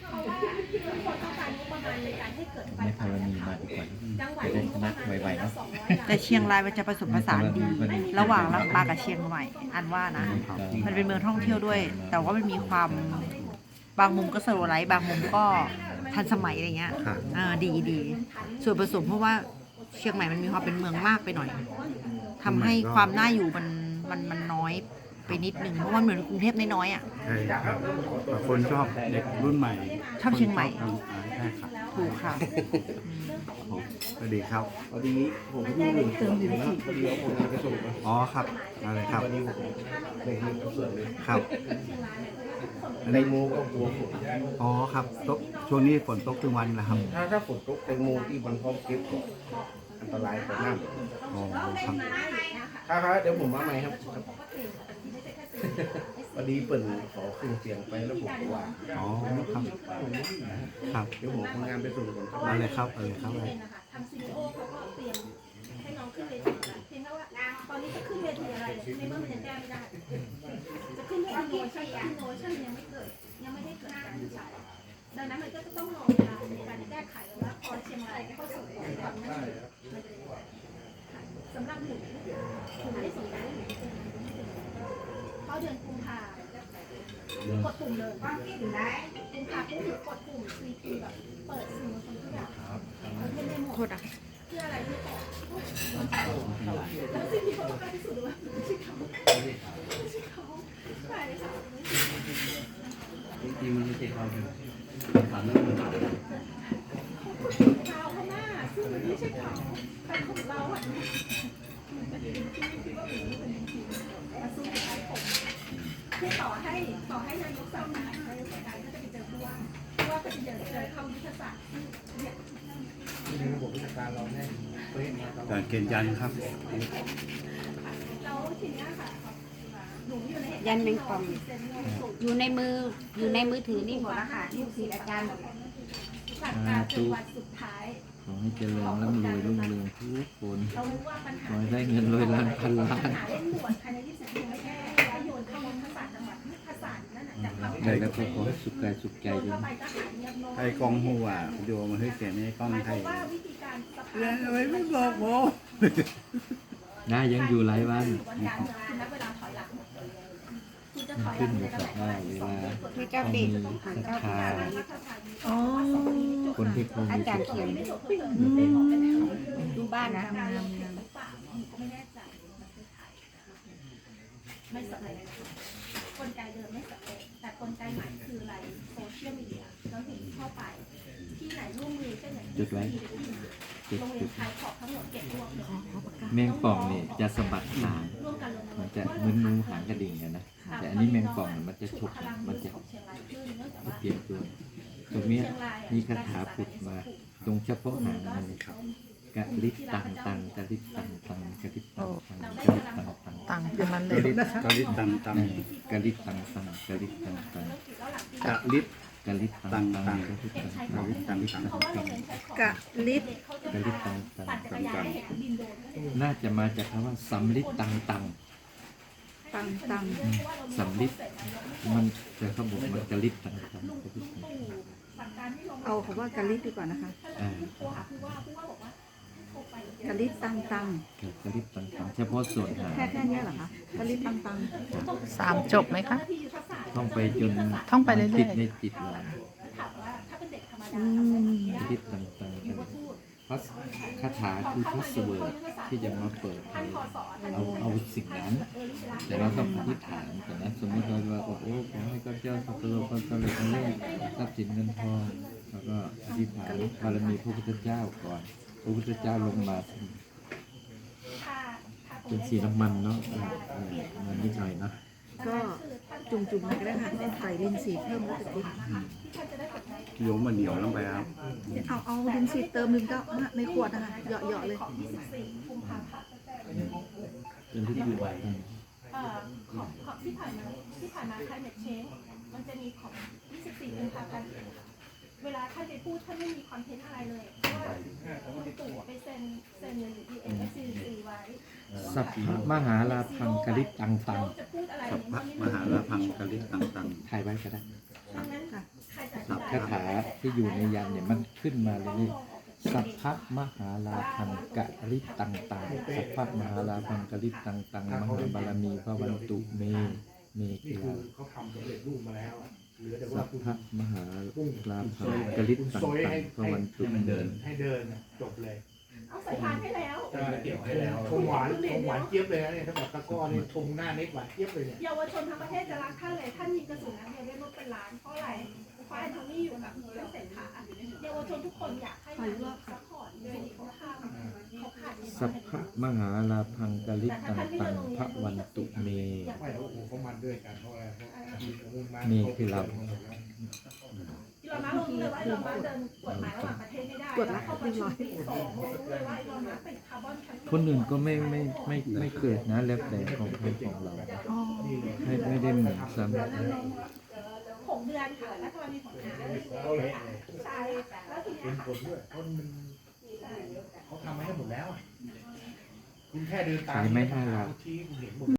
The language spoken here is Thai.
เพราะว่าทุกคนต้องการงบประมาณในการให้เกิดไฟไม่พป่าอมีมาดีกว่าจังหวัดจะได้มีชงบปนะระมาณไวๆเนาะ 200 แต่เชียงรายมันจะผสมผสานดี ระหว่างลำปางกับเชียงใหม่อันว่านะ มันเป็นเมืองท่องเที่ยวด้วย แต่ว่ามันมีความบางมุมก็สโลว์ไลฟ์บางมุมก็ทันสมัยอะไรเงี้ยดีส่วนผสมเพราะว่าเชียงใหม่มันมีความเป็นเมืองมากไปหน่อยทำให้ความน่าอยู่มันน้อยไปนิดนึงเพราะว่าเหมือนกรุงเทพน้อยๆอ่ะใช่ครับบางคนชอบเด็กรุ่นใหม่ชอบเชียงใหม่ใช่ครับถูกค่ะสวัสดีครับพอดีผมอยู่หนึ่งเติมอยู่นะพอดีเอาผลงานไปส่งไปอ๋อครับอะไรครับพอดีผมในทีมกับส่วนเลยครับในโมก็กลัวฝนอ๋อครับตกช่วงนี้ฝนตกทุกวันนะครับถ้าฝนตกแตงโมที่มันพร้อมเก็บก็อันตรายกว่าน้ำอ๋อครับครับเดี๋ยวผมมาใหม่ครับพอดีเปิ่นขอขึ้นเสียงไปแล้วผมก็ว่าอ๋อครับครับเดี๋ยวผมทำงานไปส่งก่อนครับอะไรครับอะไรครับอะไรทางซีโอเขาก็เตรียมให้น้องขึ้นเวทีแล้วเพียงแค่ว่าตอนนี้จะขึ้นเวทีอะไรในเมื่อมันยังแก้ไม่ได้ จะขึ้นเวทีโนชั่นยังไม่เกิดยังไม่ได้เกิดการวิจัยดังนั้นมันก็จะต้องรอเวลาในการแก้ไขว่าพอเชียงรายเข้าสู่โปรแกรมนั้นสำหรับหนูได้ส่งได้เข้าเดือนกุมภากดปุ่มเลยกุมภาปุ๊บหรือกดปุ่ม CP แบบเปิดสื่อมวลชนทุกอย่างมันเป็นในโหมโทดษอ่ะเพื่ออะไรที่บอกแล้วสิ่งที่เขาต้องการที่สุดว่าไม่ใช่เขาใช่ค่ะจริงๆมันไม่ใช่ความจริงถามเรื่อเงขาข้างหน้าซึ่งมันไม่ใช่เขาแต่ของเราอ่ะมันเป็นที่คิดว่าเป็นจริงมาสู้กับไอ้ผมคือต่อให้นายกสั่งการนายกสั่งการก็จะไปเจอผู้ว่าก็จะเจอคำยุทธศาสตร์เนี่ยในระบบราชการเราแน่เป๊ะมาตลอกาดรเกณฑ์ยันครับแล้วทีเนี้ยค่ะหนูอยู่ในยันแมงป่องอยู่ในมือถือนี่หมดแล้วค่ะลูกศิษย์อาจารย์หลักการเป็นวันสุดท้ายขอให้เจริญร่ำรวยรุ่งเรืองทุกคนเรารู้ว่าปัญขหาอให้ได้เงินร้อยล้านพันล้านปัญหาเร่งด่วนภายใน20นาทีไม่แก้แล้วโยนเข้าวัฒนศาสตร์จังหวัดภาษานั่นน่ะจากความได้แล้วก็ขอให้สุขกายสุขใจโยนด้วยเข้าไปก็หายเงียบโน้ไอ้กองหัวโยมาให้เสียงในกล้องหมายคไทวาย มว่าวิธีการสภาแล้วทำไมไม่บอกผมน่ายังอยู่หลายวันวันการเมืองคือนับเวลาถอยหลังคุณจะถอยหขึ้ลันงอในยู่ตำกับแหน่งว่าอะไรเวลามีเก้าต้องปีมีศรัทธาอ๋อคนที่เขาอามีจารศรัย์ทเขียธานดูบ้านนะการลงทุนหรือเปล่าไม่แน่ใจไม่สำเร็จกลไกเดิมไม่สำเร็จแต่กลไกใหม่คืออะไรโซเชียลมีเดียเราถึงเข้าไปที่ไหนร่วมมือเช่นอย่างจุดไว้จุดโรงเรีจุยนดชายขอบทั้งหมดเก็บรวบเลยแมงป่องนี่จะสะบัดหางร่วมกันลงมันจะเหมือนงูหางกระดิ่งกันนะแต่อันนี้แมงป่องเนี่ยมันจะฉกมันจะของเชียงรายขึ้นเนื่องจากว่าเปลี่ยนตัวตรงเนี้ยมีคาถาผุดมา ตรงเฉพาะหางมันนี่กะลิตตังตังกะลิตตังตังกะลิตตังตังกะลิตตังตังตังค์เป็นมันเลกะยลิตกะลิตตังตังกะลิตตังตังกะลิตตังตังกะลิตกะลิตตังตังกะลิตตังตังกะลิตตังตังเพราะว่าโรงเรียนชายขอบกะลิตกะลิตตังตังปั่นจักรยานให้เห็นบินโดรนน่าจะมาจากคำว่าสำลิดตังตังตังตังสำลิดมันจะเขาบอกมันกะลิตตังตังกะลิตตังตังสั่งการให้ลงเอาคำว่ากะลิตดีกว่านะคะอ่าโทรหาผู้ว่าบอกว่าโทรไปกะลิตตังตังกะลิตตังตังเฉพาะส่วนหางแค่เนี้ยเหรอคะกะลิตตังตัง 3 จบไหมคะที่ยุทธศาสตร์ท่องไปจนท่องไปเรื่อยๆติดในจิตเราถามว่าถ้าเป็นเด็กธรรมดาทำได้ไหมกะลิตตังตังพัสคาถาคือพัสเวิร์ดที่จะมาเปิดให้เอาสิ่งนั้น แต่เราต้องอธิษฐานแต่นะสมมติเราว่าโอ้โหขอให้ข้าพเจ้าสักการะความสำเร็จในเรื่องทรัพย์สินเงินทองแล้วก็อธิษฐานบารมีพระพุทธเจ้าก่อนพระพุทธเจ้าลงมาเป็นสีน้ำมันเนาะมันนิดหน่อยเนาะก็จุ่มๆไปก็ได้ค่ะใส่ลินสีเพิ่มแล้วจะติดโยมมันเหนียวลงไปครับเอาลินสีเติมหนึ่งก็ในขวดนะคะเหยาะๆเลยเป็นที่อยู่ของที่ผ่านมา climate change มันจะมีของ 24 กุมภาพันธ์เวลาท่านไปพูดท่านไม่มีคอนเทนต์อะไรเลยเพราะว่าคุณตู่ไปเซ็นเงิน UNFCCC ไว้สัพพะมหาลาพังกะลิตตังตังจะพูดอะไรสัพพะมหาลาพังกะลิตตังตังถ่ายไว้ก็ได้ดังนั้นใครจะสัพคาถาที่อยู่ในยันเนี่ยมันขึ้นมาเลยนี่สัพพะมหาลาพังกะริตังตังสัพพะมหาลาพังกะริตังตังมหาบารมีพระวันตุเมกีฬาเขาทำสำเร็จรูปมาแล้วอะเหลือแต่สัว่าพพะมหาลาพังกะริตังตังพระวันตุเมให้เดินน่ะจบเลยเอาใส่พานให้แล้วจะเกี่ยวให้แล้วชมหวานเจี๊ยบเลยนะเนี่ยถ้าแบบตะก้อนี่ชมหน้าเน็ตหวานเจี๊ยบเลยเนี่ยเยาวชนทั้งประเทศจะรักท่านเลยท่านยิงกระสุนนัดเดียวได้รถเป็นล้านเพราะอะไรเพราะแอนโทนีอยู่กับเรื่องเศรษฐาเยาวชนทุกคนอยากให้นายกซัพพอร์ตเลยเขาทำเขาขาดสัพพะมหาลาพังกะริตังตังพระวันตุเมไม่โอ้โหเขามันด้วยกันเพราะอะไรเพราะนี่คือเราอีลอนมัสก์รู้เลยว่าอีลอนมัสก์เดินกฎหมายระหว่างประเทศไม่ได้แล้วเข้าประชุมปี2รู้เลยว่าอีลอนมัสก์เป็นคาร์บอนแคปซูลคนอื่นก็ไม่เกิดนะแล้วแต่ของเราอ๋อไม่ได้เหมือนซ้ำ 6 เดือนค่ะแล้วก็มีผลงานใช่แล้วทีเป็นี้นผลด้วยเพราะมันเขาทำให้หมดแล้วอะคุณแค่เดินตามขายไม่ได้หรอกชี้คุณเห็นหมด